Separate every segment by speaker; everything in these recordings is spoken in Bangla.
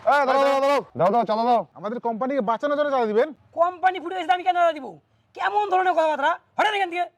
Speaker 1: দাও চাঁদা দাও।
Speaker 2: আমাদের কোম্পানিকে বাঁচানোর জন্য চাঁদা দিবেন।
Speaker 3: কোম্পানি ফুটে গেছে, আমি কেন চাঁদা দিব? কেমন ধরনের কথাবার্তা? হঠাৎ এখান থেকে।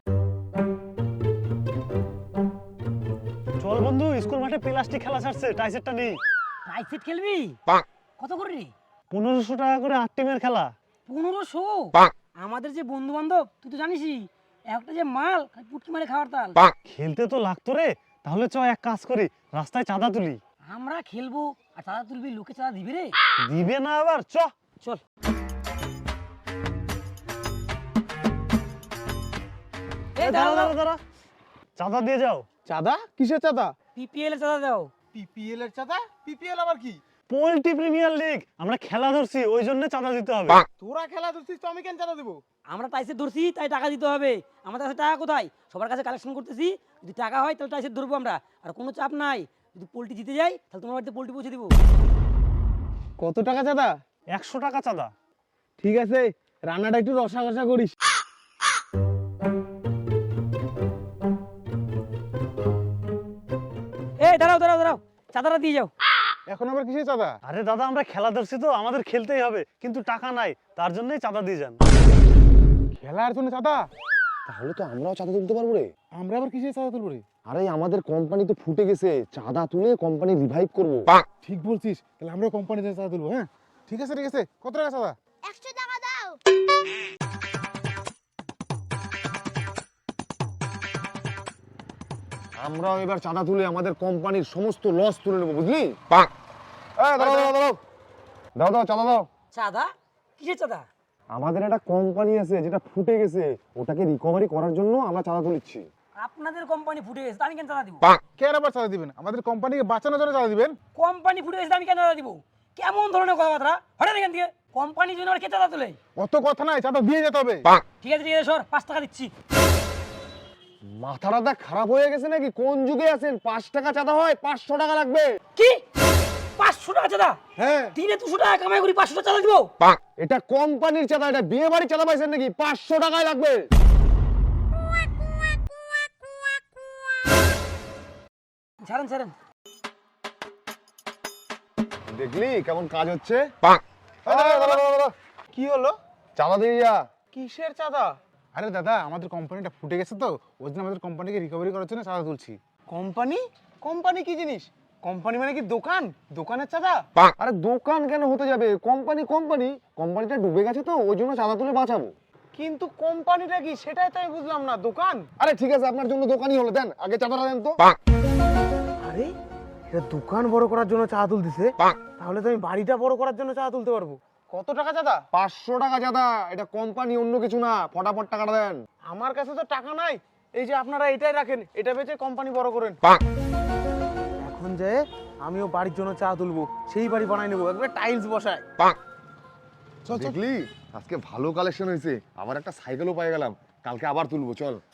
Speaker 4: চল বন্ধু, স্কুল মাঠে প্লাস্টিক খেলা ছাড়ছে, টাইসেটটা নেই।
Speaker 3: টাইসেট খেলবি? কত করে রে?
Speaker 4: 1500 টাকা করে 8 টিমের খেলা।
Speaker 3: 1500? আমাদের যে বন্ধু বান্ধব তুই তো জানিসই, একটা যে মাল পুটকি মারে খাওয়ার তাল।
Speaker 4: খেলতে তো লাগতো রে, তাহলে চ এক কাজ করি, রাস্তায় চাঁদা তুলি।
Speaker 3: আমরা খেলবো আর চাঁদা তুলবি, লোকে চাঁদা দিবে রে?
Speaker 4: দিবে না আবার, চ
Speaker 3: চল।
Speaker 4: দাঁড়া, চাঁদা দিয়ে যাও।
Speaker 2: চাঁদা? কিসের চাঁদা?
Speaker 3: পিপিএল এর চাঁদা দাও।
Speaker 2: পিপিএল এর চাঁদা? পিপিএল আবার কি?
Speaker 4: পোল্ট্রি প্রিমিয়ার লিগ, আমরা খেলা ধরছি, ওই জন্য চাঁদা দিতে হবে।
Speaker 2: তোরা খেলা ধরছিস তো আমি কেন চাঁদা দেবো?
Speaker 3: আমরা টাইসেট ধরছি তাই টাকা দিতে হবে। আমাদের কাছে টাকা কোথায়? সবার কাছে কালেকশন করতেছি, যদি টাকা হয় তাহলে টাইসেট ধরবো আমরা। আর কোনো চাপ নাই, যদি পোল্ট্রি জিতে যাই তাহলে তোমার বাড়িতে পোল্ট্রি পৌঁছে দিব।
Speaker 2: কত টাকা চাঁদা?
Speaker 4: 100 টাকা চাঁদা।
Speaker 2: ঠিক আছে, রান্নাটা একটু রসাঘসা করিস।
Speaker 3: এই দাঁড়াও, চাঁদাটা দিয়ে যাও।
Speaker 2: এখন আবার কিসের চাঁদা?
Speaker 4: আরে দাদা, আমরা খেলা ধরছি তো, আমাদের খেলতেই হবে, কিন্তু টাকা নাই, তার জন্যই চাঁদা দিয়ে যান।
Speaker 2: খেলার জন্য চাঁদা?
Speaker 1: তাহলে তো আমরাও চাঁদা তুলতে পারবো রে।
Speaker 2: আমরা আবার কিসের চাঁদা তুলবো রে?
Speaker 1: আরে আমাদের কোম্পানি তো ফুটে গেছে, চাঁদা তুলে কোম্পানি রিভাইভ করবো।
Speaker 2: ঠিক বলছিস, তাহলে আমরা কোম্পানির জন্য চাঁদা তুলবো। হ্যাঁ ঠিক আছে। কত টাকা চাঁদা?
Speaker 5: 100 টাকা দাও।
Speaker 1: আমরাও এবার চাঁদা তুলে আমাদের কোম্পানির সমস্ত লস তুলে নেবো, বুঝলি? দাও চাঁদা দাও।
Speaker 3: চাঁদা? কিসের চাঁদা?
Speaker 1: আমাদের একটা কোম্পানি আছে যেটা ফুটে গেছে, ওটাকে রিকভারি করার জন্য আমরা চাঁদা তুলছি।
Speaker 3: আপনাদের কোম্পানি ফুটে গেছে, আমি কেন চাঁদা দিব?
Speaker 2: কেন আবার চাঁদা দিবেন? আমাদের কোম্পানিকে বাঁচানোর জন্য চাঁদা দিবেন।
Speaker 3: কোম্পানি ফুটে গেছে, আমি কেন চাঁদা দিব? কেমন ধরনের কথাবার্তা? হঠাৎ এখান থেকে। কোম্পানির জন্য আর কে চাঁদা তোলে?
Speaker 2: অত কথা নাই, চাঁদা দিয়ে যেতে হবে।
Speaker 3: ঠিক আছে সর, 5 টাকা দিচ্ছি।
Speaker 1: মাথাটা খারাপ হয়ে গেছে নাকি? কোন যুগে আছেন? 5 টাকা চাঁদা হয়, 500 টাকা লাগবে।
Speaker 3: কি 500 টাকা চাঁদা?
Speaker 2: হ্যাঁ।
Speaker 3: দিনে 200 টাকা কামাই করি, 500 টাকা চাঁদা দিব?
Speaker 1: এটা কোম্পানির চাঁদা, এটা বিয়ে বাড়ি চাঁদা পাইছেন নাকি? 500 টাকাই লাগবে।
Speaker 3: ছাড়েন।
Speaker 1: দেখলি কেমন কাজ হচ্ছে?
Speaker 2: কি হলো?
Speaker 1: চাঁদা দিয়ে যা।
Speaker 2: কিসের চাঁদা? আরে দাদা, আমাদের কোম্পানিটা ফুটে গেছে তো, ওই জন্য আমাদের কোম্পানিকে রিকভারি করার জন্য চাঁদা তুলছি। কোম্পানি? কোম্পানি কি জিনিস? কোম্পানি মানে কি দোকান? দোকানের চাঁদা?
Speaker 1: আরে দোকান কেন হতে যাবে? কোম্পানিটা ডুবে গেছে তো, ওই জন্য চাঁদা তুলে বাঁচাবো।
Speaker 2: কিন্তু কোম্পানিটা কি সেটাই তো আমি বুঝলাম না। দোকান?
Speaker 1: আরে ঠিক আছে, আপনার জন্য দোকানই হলো, দেন আগে চাঁদাটা দেন তো।
Speaker 2: আরে এটা দোকান বড় করার জন্য চাঁদা তুলতেছে, তাহলে তো আমি বাড়িটা বড় করার জন্য চাঁদা তুলতে পারবো। কত টাকা চাঁদা?
Speaker 1: 500 টাকা চাঁদা। এটা কোম্পানি, অন্য কিছু না, ফটাফট টাকাটা দেন।
Speaker 2: আমার কাছে তো টাকা নাই, এই যে আপনারা এটাই রাখেন, এটা বেচে কোম্পানি বড় করেন। এখন যে আমিও বাড়ির জন্য চা তুলবো, সেই বাড়ি বানাই নেবো, একবার টাইলস বসায়।
Speaker 1: দেখলি আজকে ভালো কালেকশন হয়েছে, আবার একটা সাইকেলও পেয়ে গেলাম, কালকে আবার তুলবো, চল।